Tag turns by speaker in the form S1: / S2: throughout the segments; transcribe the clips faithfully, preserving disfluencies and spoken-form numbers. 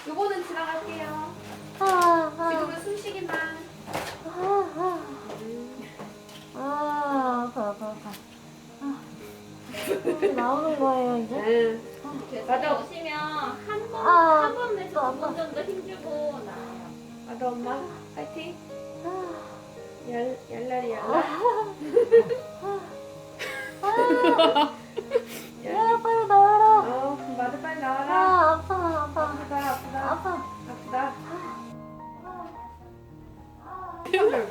S1: 요거는 지나갈게요.
S2: 아, 아,
S1: 지금은 숨쉬기만.
S2: 아, 아, 아, 아파, 아파, 아파. 아, 음, 나오는 거예요 이제?
S1: 응.
S3: 맞아. 오시면 한 번,
S2: 아,
S3: 한 번 내서
S2: 아파.
S3: 두 번 정도 힘주고 나와요.
S1: 맞아 엄마. 파이팅.
S2: 아,
S1: 얄 얄라리 얄라.
S2: 야, 빨리 나와라.
S1: 어 마드 빨리 나와라.
S2: 아, 아파, 아파,
S1: 아프다 아프다
S2: 아파.
S1: 아프다.
S2: 제발.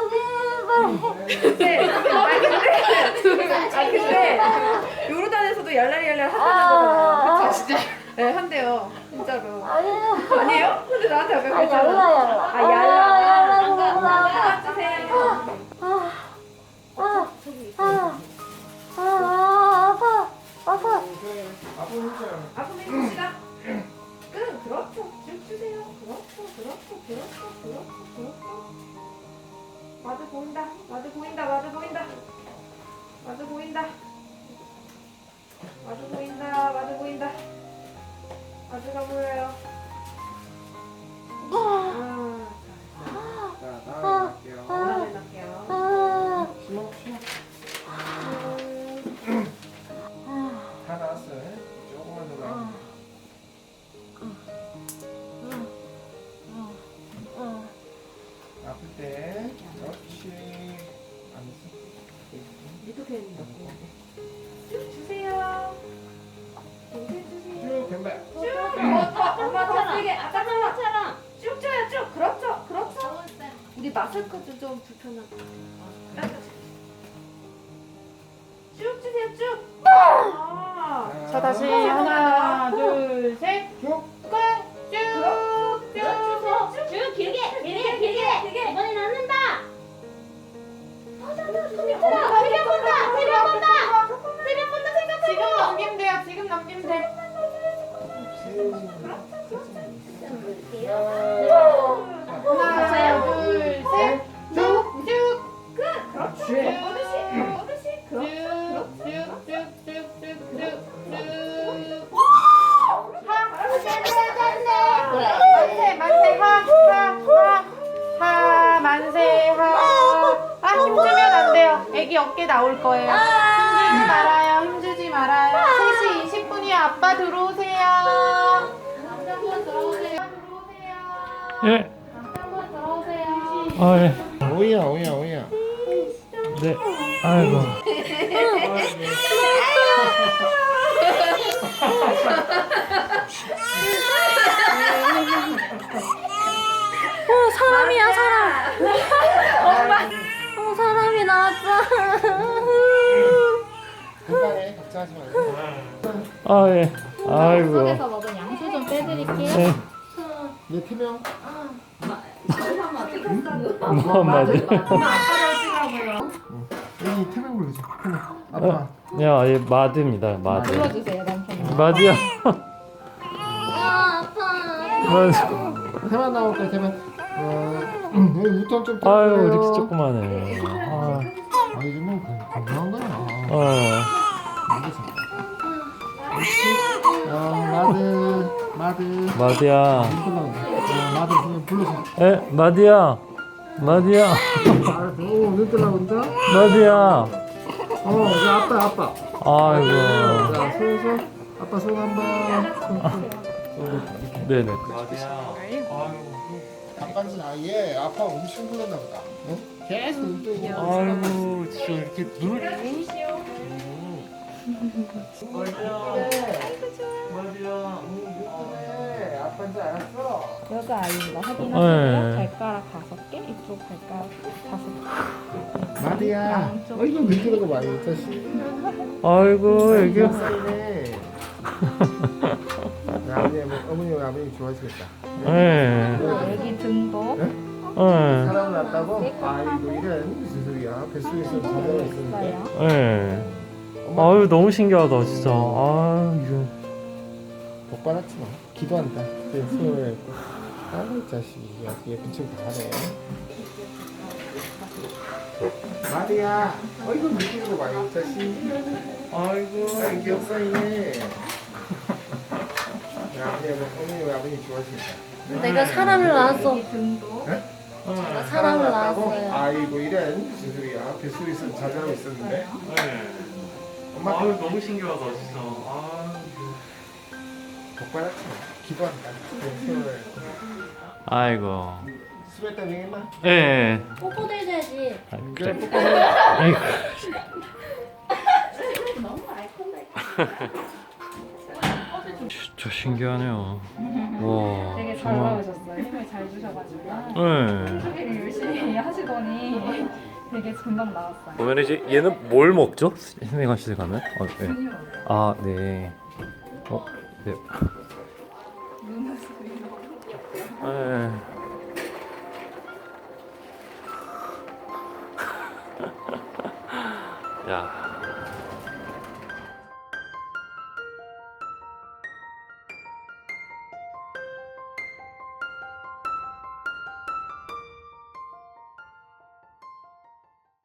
S1: 근데 아 근데 아 근데 요르단에서도 얄라리 얄라리 하잖아요.
S2: 아,
S1: 그쵸? 진짜. 네 한대요. 진짜로.
S2: 아니에요.
S1: 아니에요? 근데 나한테 아까
S2: 아,
S1: 그랬잖아.
S2: 얄라, 얄라.
S1: 아 얄라.
S2: 얄라,
S3: 안 가, 안 가.
S1: 주세요.
S2: 아, 아, 아, 아, 아, 아파, 아파.
S1: 아프면 해봅시다. 끈 그렇죠. 쭉 주세요. 그렇죠. 그렇죠. 그렇죠. 그렇죠. 그렇죠. 마드 보인다. 마드 보인다. 마드 보인다. 마드 보인다. 마드 보인다. 마드 보인다. 마드가 보여요. 아,
S4: 자, 다음에 갈게요.
S1: 다음에 갈게요.
S2: 아,
S4: 심어, 심어. 다 나왔어요. 조금만 더 나와. 아플 때, 그렇지. 안
S1: 이렇게 쭉 주세요. 동생 주세요.
S4: 쭉 왼발.
S1: 쭉. 어, 더, 엄마 더 세게. 아까처럼.
S3: 아까처럼.
S1: 쭉 줘요. 쭉. 그렇죠. 그렇죠. 우리 마스크도 좀 불편하고. 쭉 주세요. 쭉. 아.
S4: 자,
S5: 다시 하나, 둘, 셋.
S4: 쭉.
S1: 그렇죠. 쭉 주세요. 쭉.
S3: 쭉 길게, 길게, 길게.
S1: 길게.
S3: 이번엔 앉는다.
S1: 어, 자, 자, 자,
S3: 세변 본다, 세변 본다. 세변 본다 생각하고.
S5: 지금 넘기면 돼요. 지금 넘기면 돼. 하나, 둘, 셋. 쭉, 쭉.
S1: 끝. 그렇죠.
S4: 쭉.
S1: 뻗으시. 뻗으시.
S5: 쭉,
S1: 그렇죠.
S5: 쭉, 쭉, 쭉, 쭉, 쭉, 쭉. 만세, 만세, 하, 하, 하, 하, 만세, 하. 아, 힘주면 안 돼요. 애기 어깨 나올 거예요. 힘주지 말아요, 힘주지 말아요. 세 시 이십 분이요. 아빠 들어오세요. 남자분 들어오세요. 들어오세요.
S6: 예.
S5: 남자분 들어오세요.
S6: 아, 예.
S4: 오이야, 오이야, 오이야.
S6: 네. 아이고.
S2: 어, 사람이야, 사람. 엄마. 어, 사람이 나왔어.
S4: 금방에 걱정하지 말고.
S6: 아, 예. 아이고.
S3: 속에서 먹은 양수 좀 빼드릴게요.
S6: 네.
S4: 내 태명.
S6: 뭐, 맞아.
S4: 여기 태명 불러줘. 태명. 아빠.
S6: 야, 예, 마드입니다. 마드.
S3: 불러주세요, 남편님.
S6: 마드야.
S2: 아, 아파.
S6: 마드.
S4: 태만 나올 거야, 태만. 어, 여기 우통 좀
S6: 아유,
S4: 떼주세요.
S6: 이렇게 조그마네. 아,
S4: 아, 이거 뭐 건강한 거야.
S6: 어.
S4: 어, 마드, 마드.
S6: 마드야.
S4: 어, 마드 그냥 불러서.
S6: 에, 마드야. 마드야.
S4: 알았어. 오, 눈 뜨려고 그런다?
S6: 마드야.
S4: 어, 이제 아빠, 아빠.
S6: 아이고.
S4: 자, 손, 손. 아빠 손 한 번. 손, 손. 손 이렇게.
S6: 네네. 마드야. 아이고.
S4: 잠깐씩 아예 아빠 엄청 불렀나 보다. 어? 계속 눈 뜨고.
S6: 아이고, 진짜 이렇게 눈을. 마드야.
S4: 그래, 아빠인 줄 알았어.
S3: 여자 아이인 거 확인하시고요.
S6: 네.
S3: 발가락 다섯 개, 이쪽 발가락 다섯 개.
S4: 마디야. 어이구, 눈 뜨는 거 많이 이 자식.
S6: 아이고, 애기.
S4: 네. 아버님, 어머니, 아버님 좋아하시겠다.
S6: 예.
S3: 여기 등도
S6: 예.
S4: 사람을 낳았다고? 아이고, 이런 무슨 소리야. 뱃속에서 자녀가 있었는데.
S3: 있어요.
S6: 예. 아유, 너무 신기하다, 진짜. 아, 이거.
S4: 못 받았지 뭐. 기도한다. 그 손을 했고. 아이 자식이 아주 예쁜 척 다 하네. 마디야. 어이구, 눈 뜨는 거 많이 이 자식.
S6: 아이고,
S4: 아, 귀엽사이네. 아버님, 어머니, 아버님 좋아하시니까.
S2: 내가 사람을 낳았어.
S1: 등도.
S2: 제가 사람을 낳았어요.
S4: 아이고 이런 무슨 소리야. 뱃속에서 자자하고 있었는데.
S6: 네.
S4: 엄마
S6: 아 너무 신기하다 진짜. 아.
S4: 복 받았지. 기도한다. 세월.
S6: 아이고.
S4: 수고했다 명예마.
S6: 예. 네.
S2: 뽀뽀도 해줘야지.
S6: 아,
S4: 그래
S6: 그래.
S4: 뽀뽀.
S6: 아이고. 진짜 신기하네요. 와.
S1: 되게 잘
S6: 정말.
S1: 나오셨어요. 힘을 잘 주셔가지고.
S6: 네.
S1: 소개를 열심히 하시더니 되게 금방 나왔어요.
S6: 그러면 이제 얘는 뭘 먹죠? 해명하실 가면? 어, 네. 아, 네. 어, 네. 네. 야.